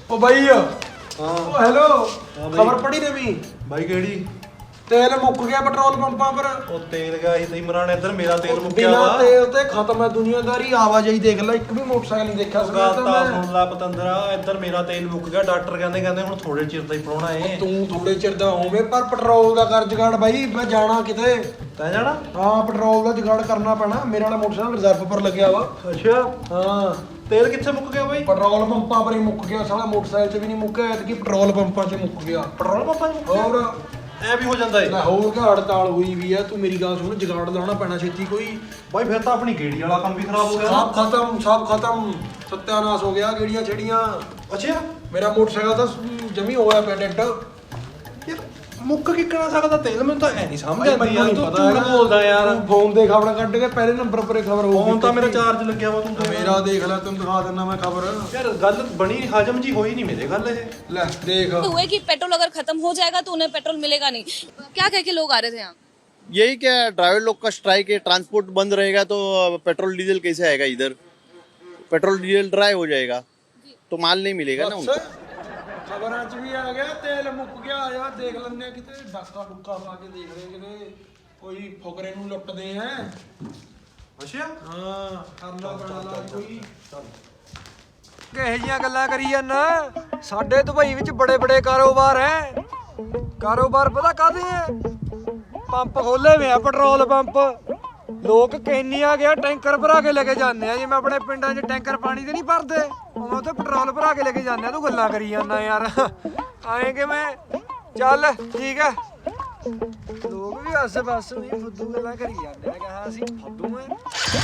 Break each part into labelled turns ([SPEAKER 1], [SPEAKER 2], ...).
[SPEAKER 1] ओ भाई
[SPEAKER 2] हाँ
[SPEAKER 1] हेलो
[SPEAKER 2] हाँ भाई।
[SPEAKER 1] खबर पड़ी नवी
[SPEAKER 2] भाई केड़ी
[SPEAKER 1] तेल मुक गया पेट्रोल पंपां पर
[SPEAKER 2] ਉਹ ਤੇਲ ਗਿਆ ਸੀ ਤੇ ਇਮਰਾਨ ਇੱਧਰ ਮੇਰਾ ਤੇਲ ਮੁੱਕਿਆ
[SPEAKER 1] बिना
[SPEAKER 2] ਵਾ
[SPEAKER 1] तेल ते खत्म है दुनियादारी आवाजाही देख ले एक भी मोटरसाइकिल नहीं देखा
[SPEAKER 2] ਗੱਲ ਤਾਂ ਸੁਣ ਲੈ ਪਤੰਦਰਾ ਇੱਧਰ ਮੇਰਾ ਤੇਲ ਮੁੱਕ ਗਿਆ ਡਾਕਟਰ ਕਹਿੰਦੇ ਹੁਣ ਥੋੜੇ ਚਿਰ ਦਾ ਹੀ ਪਰੋਣਾ ਏ
[SPEAKER 1] ਤੂੰ ਥੋੜੇ ਚਿਰ ਦਾ ਹੋਵੇਂ ਪਰ ਪੈਟਰੋਲ ਦਾ ਕਰ ਜਗਾੜ ਬਾਈ ਮੈਂ ਜਾਣਾ ਕਿਤੇ
[SPEAKER 2] ਤੈਂ ਜਾਣਾ
[SPEAKER 1] ਹਾਂ ਪੈਟਰੋਲ ਦਾ ਜਗਾੜ ਕਰਨਾ ਪੈਣਾ ਮੇਰੇ ਵਾਲਾ ਮੋਟਰਸਾਈਕਲ ਰਿਜ਼ਰਵ ਪਰ ਲੱਗਿਆ ਵਾ
[SPEAKER 2] ਅੱਛਾ
[SPEAKER 1] ਹਾਂ
[SPEAKER 2] ਤੇਲ ਕਿੱਥੇ ਮੁੱਕ ਗਿਆ ਬਾਈ
[SPEAKER 1] ਪੈਟਰੋਲ ਪੰਪਾਂ ਪਰ ਹੀ ਮੁੱਕ ਗਿਆ ਸਾਲਾ ਮੋਟਰਸਾਈਕਲ 'ਚ ਵੀ ਨਹੀਂ ਮੁੱਕਿਆ ਐਤਕੀ ਪੈਟਰੋਲ ਪੰਪਾਂ 'ਚ ਮੁੱਕ ਗਿਆ
[SPEAKER 2] ਪੈਟਰੋਲ ਪੰਪਾਂ 'ਚ ਮੁੱਕ ਗਿਆ
[SPEAKER 1] ਹੋਰ
[SPEAKER 2] ਐ ਵੀ ਹੋ ਜਾਂਦਾ ਏ
[SPEAKER 1] ਨਾ ਹੋਰ ਘਾ ਹੜਤਾਲ ਹੋਈ ਵੀ ਆ ਤੂੰ ਮੇਰੀ ਗੱਲ ਸੁਣ ਜਗਾੜ ਲਾਉਣਾ ਪੈਣਾ ਛੇਤੀ ਕੋਈ
[SPEAKER 2] ਬਾਈ ਫਿਰ ਤਾਂ ਆਪਣੀ ਗੇੜੀ ਵਾਲਾ ਕੰਮ ਵੀ ਖਰਾਬ ਹੋ ਗਿਆ
[SPEAKER 1] ਸਭ ਖਤਮ ਸਤਿਆਨਾਸ਼ ਹੋ ਗਿਆ ਗੇੜੀਆਂ ਛੇੜੀਆਂ
[SPEAKER 2] ਅੱਛਾ
[SPEAKER 1] ਮੇਰਾ ਮੋਟਰਸਾਈਕਲ ਤਾਂ ਜਮੀ ਹੋਇਆ ਪਿਆ ਡੈਡ
[SPEAKER 2] ਯਾਰ ਮੁੱਕ ਕਿੱਕਣਾ ਸਕਦਾ ਤੇਲ ਮੈਨੂੰ ਤਾਂ ਐ ਨਹੀਂ ਸਮਝ ਆਉਂਦੀ ਯਾਰ
[SPEAKER 1] ਨਹੀਂ
[SPEAKER 2] ਤੂੰ
[SPEAKER 1] ਪਤਾ
[SPEAKER 2] ਝੂਠ ਬੋਲਦਾ ਯਾਰ
[SPEAKER 1] ਫੋਨ ਦੇ ਖਬਰ ਕੱਢ ਕੇ ਪਹਿਲੇ ਨੰਬਰ ਪਰੇ ਖਬਰ ਹੋਊਗੀ
[SPEAKER 2] ਫੋਨ ਤਾਂ ਮੇਰਾ ਚਾਰਜ ਲੱਗਿਆ ਵਾ ਤੂੰ
[SPEAKER 1] ਮੇਰਾ ਦੇਖ ਲੈ ਤੈਨੂੰ ਦਿਖਾ ਦਿੰਦਾ ਮੈਂ ਖਬਰ
[SPEAKER 2] ਯਾਰ ਗੱਲ ਬਣੀ ਹਜਮ ਜੀ ਹੋਈ ਨਹੀਂ ਮੇਰੇ ਗੱਲ ਇਹ
[SPEAKER 1] ਲੈ ਦੇਖ
[SPEAKER 3] हुए कि पेट्रोल अगर खत्म हो जाएगा तो उन्हें पेट्रोल मिलेगा नहीं। क्या कह के लोग आ रहे थे यहाँ?
[SPEAKER 4] यही क्या है, ड्राइवर लोग का स्ट्राइक है, ट्रांसपोर्ट बंद रहेगा तो पेट्रोल डीजल कैसे आएगा इधर? पेट्रोल डीजल ड्राई हो जाएगा तो माल नहीं मिलेगा ना उनको।
[SPEAKER 1] ਖਬਰਾਂ 'ਚ ਵੀ ਆ ਗਿਆ ਤੇਲ ਮੁੱਕ ਗਿਆ ਆ ਦੇਖ ਲੈਂਦੇ ਆ ਕਿਤੇ ਡਾਕਾ ਡੁੱਕਾ ਪਾ ਕੇ ਦੇਖ ਰਹੇ ਕਿਤੇ ਕੋਈ ਫੁਕਰੇ ਨੂੰ ਲੁੱਟਦੇ ਆ
[SPEAKER 2] ਅੱਛਾ
[SPEAKER 1] ਹਾਂ ਕਰਨਾ ਪੈਣਾ ਲਾ ਕੋਈ ਕਿਹੋ ਜੀਆਂ ਗੱਲਾਂ ਕਰੀ ਜਾਂਦਾ ਸਾਡੇ ਦੁਬਈ ਵਿੱਚ ਬੜੇ ਬੜੇ ਕਾਰੋਬਾਰ ਐ ਕਾਰੋਬਾਰ ਪਤਾ ਕਾਹਦੇ ਐ ਪੰਪ ਖੋਲੇ ਵੇ ਆ ਪੈਟਰੋਲ ਪੰਪ ਲੋਕ ਕੈਨੀਆਂ ਗਿਆ ਟੈਂਕਰ ਭਰਾ ਕੇ ਲੈ ਕੇ ਜਾਂਦੇ ਆ ਜਿਵੇਂ ਆਪਣੇ ਪਿੰਡਾਂ 'ਚ ਟੈਂਕਰ ਪਾਣੀ ਤੇ ਨਹੀਂ ਭਰਦੇ ਉਵੇਂ ਤੇ ਪੈਟਰੋਲ ਭਰਾ ਕੇ ਲੈ ਕੇ ਜਾਂਦੇ ਆ ਤੂੰ ਗੱਲਾਂ ਕਰੀ ਜਾਂਦਾ ਯਾਰ ਆਏ ਕਿਵੇਂ ਚੱਲ ਠੀਕ ਐ ਲੋਕ ਵੀ ਆਸੇ ਪਾਸੇ ਵੀ ਫੁੱਦੂ ਗੱਲਾਂ ਕਰੀ ਜਾਂਦੇ ਆ ਕਿ ਹਾਂ ਅਸੀਂ ਫੁੱਦੂ ਐ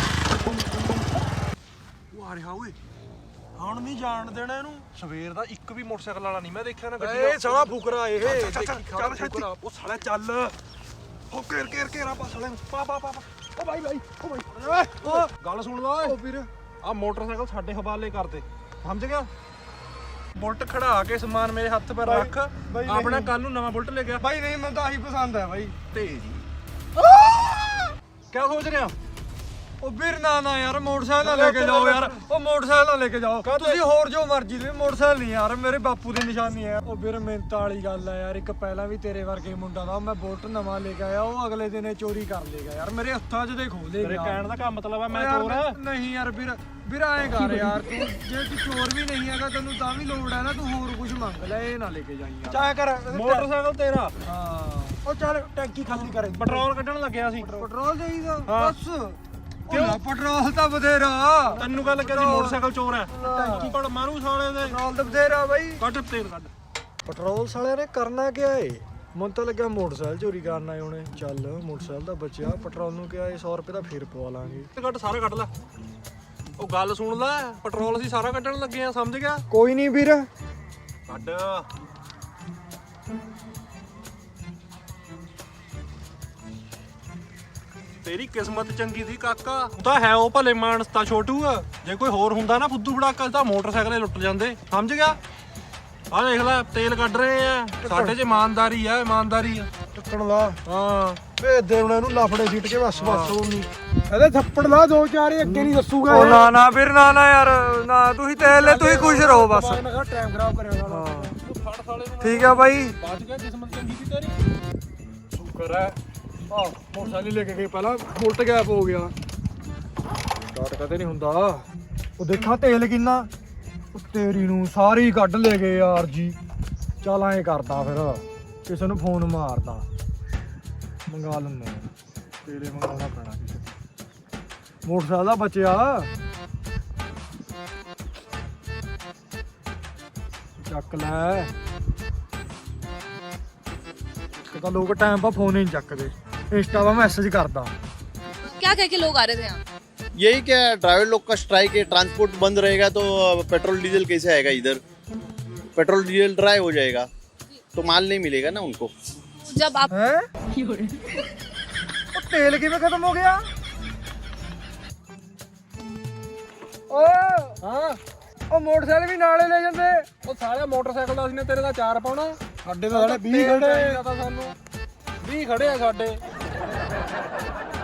[SPEAKER 1] ਉਹ ਆ ਰਿਹਾ ਓਏ
[SPEAKER 2] ਹੁਣ ਨਹੀਂ ਜਾਣ ਦੇਣਾ ਇਹਨੂੰ ਸਵੇਰ ਦਾ ਇੱਕ ਵੀ ਮੋਟਰਸਾਈਕਲ ਵਾਲਾ ਨਹੀਂ ਮੈਂ ਦੇਖਿਆ ਨਾ ਗੱਡੀ
[SPEAKER 1] ਏ ਸਾਲਾ ਫੁਕਰਾ ਇਹ
[SPEAKER 2] ਚੱਲ ਛੇਤੀ ਉਹ ਸਾਲਾ ਚੱਲ ਉਹ ਘੇਰ ਪਾ ਸਾਲੇ ਨੂੰ ਪਾ ਓ ਬਾਈ ਓ ਬਾਈ ਓ ਗੱਲ ਸੁਣ ਲਾ ਓਏ
[SPEAKER 1] ਵੀਰ
[SPEAKER 2] ਆ ਮੋਟਰਸਾਈਕਲ ਸਾਡੇ ਹਵਾਲੇ ਕਰ ਦੇ ਸਮਝ ਗਿਆ ਬੁਲਟ ਖੜਾ ਕੇ ਸਮਾਨ ਮੇਰੇ ਹੱਥ 'ਤੇ ਰੱਖ
[SPEAKER 1] ਬਾਈ
[SPEAKER 2] ਆਪਣਾ ਕੱਲ ਨੂੰ ਨਵਾਂ ਬੁਲਟ ਲੈ ਗਿਆ
[SPEAKER 1] ਬਾਈ ਨਹੀਂ ਮੈਨੂੰ ਤਾਂ ਆਹੀ ਪਸੰਦ ਹੈ ਬਾਈ
[SPEAKER 2] ਤੇਜ਼ ਕਿਆ ਸੋਚ ਰਿਹਾ
[SPEAKER 1] ਉਹ ਵੀਰ ਨਾ ਯਾਰ ਮੋਟਰਸਾਈਕਲ ਨਾ ਲੈ ਕੇ ਜਾਓ ਯਾਰ ਉਹ ਮੋਟਰਸਾਈਕਲ ਨਾ ਲੈ ਕੇ ਜਾਓ ਤੁਸੀਂ ਹੋਰ ਜੋ ਮਰਜ਼ੀ ਦੇ ਮੋਟਰਸਾਈਕਲ ਨਹੀਂ ਯਾਰ ਮੇਰੇ ਬਾਪੂ ਦੀ ਨਿਸ਼ਾਨੀ ਹੈ ਉਹ ਵੀਰ ਮਿਹਨਤ ਵਾਲੀ ਗੱਲ ਹੈ ਯਾਰ ਇੱਕ ਪਹਿਲਾਂ ਵੀ ਤੇਰੇ ਵਰਗੇ ਮੁੰਡਾ ਦਾ ਮੈਂ ਬੁਲਟ ਨਵਾਂ ਲੈ ਕੇ ਆਇਆ ਉਹ ਅਗਲੇ ਦਿਨੇ ਚੋਰੀ ਕਰ ਲੇਗਾ ਯਾਰ ਮੇਰੇ ਹੱਥਾਂ 'ਚ ਦੇ ਖੋਹ
[SPEAKER 2] ਤੇਰੇ
[SPEAKER 1] ਲੇਗਾ
[SPEAKER 2] ਕਹਿਣ ਦਾ ਕੰਮ ਮਤਲਬ ਆ ਮੈਂ
[SPEAKER 1] ਯਾਰ
[SPEAKER 2] ਚੋਰ
[SPEAKER 1] ਨਹੀਂ ਯਾਰ ਵੀਰ ਆਏ ਕਰ ਯਾਰ ਤੂੰ ਜੇ ਤੂੰ ਚੋਰ ਵੀ ਨਹੀਂ ਹੈਗਾ ਤੈਨੂੰ ਤਾਂ ਵੀ ਲੋੜ ਹੈ ਨਾ ਤੂੰ ਹੋਰ ਕੁਝ ਮੰਗ ਲੈ ਇਹ ਨਾ ਲੈ ਕੇ ਜਾਈਂ ਯਾਰ ਚਾਹ ਕਰ
[SPEAKER 2] ਮੋਟਰਸਾਈਕਲ ਤੇਰਾ
[SPEAKER 1] ਹਾਂ ਉਹ ਚੱਲ ਟੈਂਕੀ ਖਾਲੀ ਕਰ
[SPEAKER 2] ਪੈਟਰੋਲ ਕੱਢਣ ਲੱਗਿਆ ਸੀ
[SPEAKER 1] ਪੈਟਰੋਲ ਚਾਹੀਦਾ
[SPEAKER 2] ਹਾਂ।
[SPEAKER 1] ਬਸ ਕਿਉਂ ਪੈਟਰੋਲ ਤਾਂ ਬਥੇਰਾ
[SPEAKER 2] ਤੈਨੂੰ ਗੱਲ ਕਰੀ ਮੋਟਰਸਾਈਕਲ ਚੋਰ ਹੈ ਟੈਂਕੀ ਕੋਲ ਮਾਰੂ ਸਾਲੇ ਦੇ
[SPEAKER 1] ਪੈਟਰੋਲ ਤਾਂ ਬਥੇਰਾ ਬਾਈ
[SPEAKER 2] ਕੱਢ ਤੇਲ ਕੱਢ
[SPEAKER 1] ਪੈਟਰੋਲ ਸਾਲਿਆਂ ਨੇ ਕਰਨਾ ਕਿਆ ਏ ਮੈਨੂੰ ਤਾਂ ਲੱਗਿਆ ਮੋਟਰਸਾਈਕਲ ਚੋਰੀ ਕਰਨ ਆਏ ਹੋਣੇ ਚੱਲ ਮੋਟਰਸਾਈਕਲ ਦਾ ਬਚਿਆ ਪੈਟਰੋਲ ਨੂੰ ਕਿਹਾ 100 ਰੁਪਏ ਦਾ ਫੇਰ ਪਵਾ ਲਾਂਗੇ
[SPEAKER 2] ਕੱਢ ਸਾਰਾ ਕੱਢ ਲੈ ਉਹ ਗੱਲ ਸੁਣ ਲੈ ਪੈਟਰੋਲ ਅਸੀਂ ਸਾਰਾ ਕੱਢਣ ਲੱਗੇ ਆ ਸਮਝ ਗਿਆ
[SPEAKER 1] ਕੋਈ ਨਹੀਂ ਵੀਰ
[SPEAKER 2] ਕੱਢ ਤੇਰੀ ਕਿਸਮਤ ਚੰਗੀ ਸੀ ਕਾਕਾ ਉਹ ਤਾਂ ਹੈ ਉਹ ਭਲੇ ਮਾਨਸ ਤਾਂ ਛੋਟੂ ਆ ਜੇ ਕੋਈ ਹੋਰ ਹੁੰਦਾ ਨਾ ਫੁੱਦੂ ਫੜਾਕਾ ਤਾਂ ਮੋਟਰਸਾਈਕਲ ਲੁੱਟ ਜਾਂਦੇ ਸਮਝ ਗਿਆ ਆਹ ਦੇਖ ਲੈ ਤੇਲ ਕੱਢ ਰਹੇ ਆ ਸਾਡੇ 'ਚ ਇਮਾਨਦਾਰੀ ਆ ਇਮਾਨਦਾਰੀ ਆ
[SPEAKER 1] ਟੱਕਣ ਲਾ
[SPEAKER 2] ਹਾਂ
[SPEAKER 1] ਭੇਜ ਦੇ ਉਹਨਾਂ ਨੂੰ ਲਾਫੜੇ ਸੀਟ ਕੇ ਬਸ ਉਹ ਨਹੀਂ ਇਹਦੇ ਥੱਪੜ ਲਾ ਦੋ ਚਾਰ ਅੱਗੇ ਨਹੀਂ ਦੱਸੂਗਾ ਉਹ ਨਾ ਵੀਰ ਨਾ ਯਾਰ ਨਾ ਤੁਸੀਂ ਤੇਲ ਲੈ ਤੁਸੀਂ ਖੁਸ਼ ਰਹੋ ਬਸ ਮੈਂ ਕਿਹਾ ਟਾਈਮ ਖਰਾਬ ਕਰਿਆ ਸਾਲਾ
[SPEAKER 2] ਫੜ ਸਾਲੇ ਨੂੰ
[SPEAKER 1] ਠੀਕ ਆ ਬਾਈ
[SPEAKER 2] ਬਚ ਗਿਆ ਕਿਸਮਤ ਚੰਗੀ ਸੀ ਤੇਰੀ
[SPEAKER 1] ਸ਼ੁਕਰ ਹੈ ਆਹ ਮੋਟਰਸਾਈਕਲ ਲੈ ਕੇ ਗਏ ਪਹਿਲਾਂ ਬੁਲਟ ਗੈਪ ਹੋ ਗਿਆ ਸਟਾਰਟ ਕਦੇ ਨਹੀਂ ਹੁੰਦਾ ਉਹ ਦੇਖਾਂ ਤੇਲ ਕਿੰਨਾ ਉਹ ਤੇਰੀ ਨੂੰ ਸਾਰੀ ਕੱਢ ਲੈ ਗਏ ਯਾਰ ਜੀ ਚੱਲ ਐਂ ਕਰਦਾ ਫਿਰ ਕਿਸੇ ਨੂੰ ਫੋਨ ਮਾਰਦਾ ਮੰਗਾ ਲੈਂਦੇ ਆ ਤੇਲੇ ਮੰਗਾਉਣਾ ਪੈਣਾ ਕਿਸੇ ਤੋਂ। ਮੋਟਰਸਾਈਕਲ ਦਾ ਬਚਿਆ ਚੱਕ ਲੈ ਤਾਂ ਲੋਕ ਟਾਈਮ ਪਾ ਫੋਨ ਹੀ ਨਹੀਂ ਚੱਕਦੇ इंस्टा पर मैसेज करता
[SPEAKER 3] क्या कह के लोग आ रहे थे यहाँ?
[SPEAKER 4] यही क्या है, ड्राइवर लोग का स्ट्राइक है, ट्रांसपोर्ट बंद रहेगा तो पेट्रोल डीजल कैसे आएगा इधर? पेट्रोल डीजल ड्राई हो जाएगा तो माल नहीं मिलेगा ना उनको।
[SPEAKER 3] जब आप
[SPEAKER 1] तेल किवें खत्म हो गया? ओ हां ਉਹ ਮੋਟਰਸਾਈਕਲ ਵੀ ਨਾਲੇ ਲੈ ਜਾਂਦੇ
[SPEAKER 2] ਉਹ ਸਾਲਿਆ ਮੋਟਰਸਾਈਕਲ ਦਾ ਅਸੀਂ ਨੇ ਤੇਰੇ ਦਾ 4 ਪਾਉਣਾ
[SPEAKER 1] ਸਾਡੇ ਤਾਂ ਸਾਲੇ 20 ਖੜੇ
[SPEAKER 2] ਤਾਂ ਸਾਨੂੰ 20 ਖੜੇ ਆ ਸਾਡੇ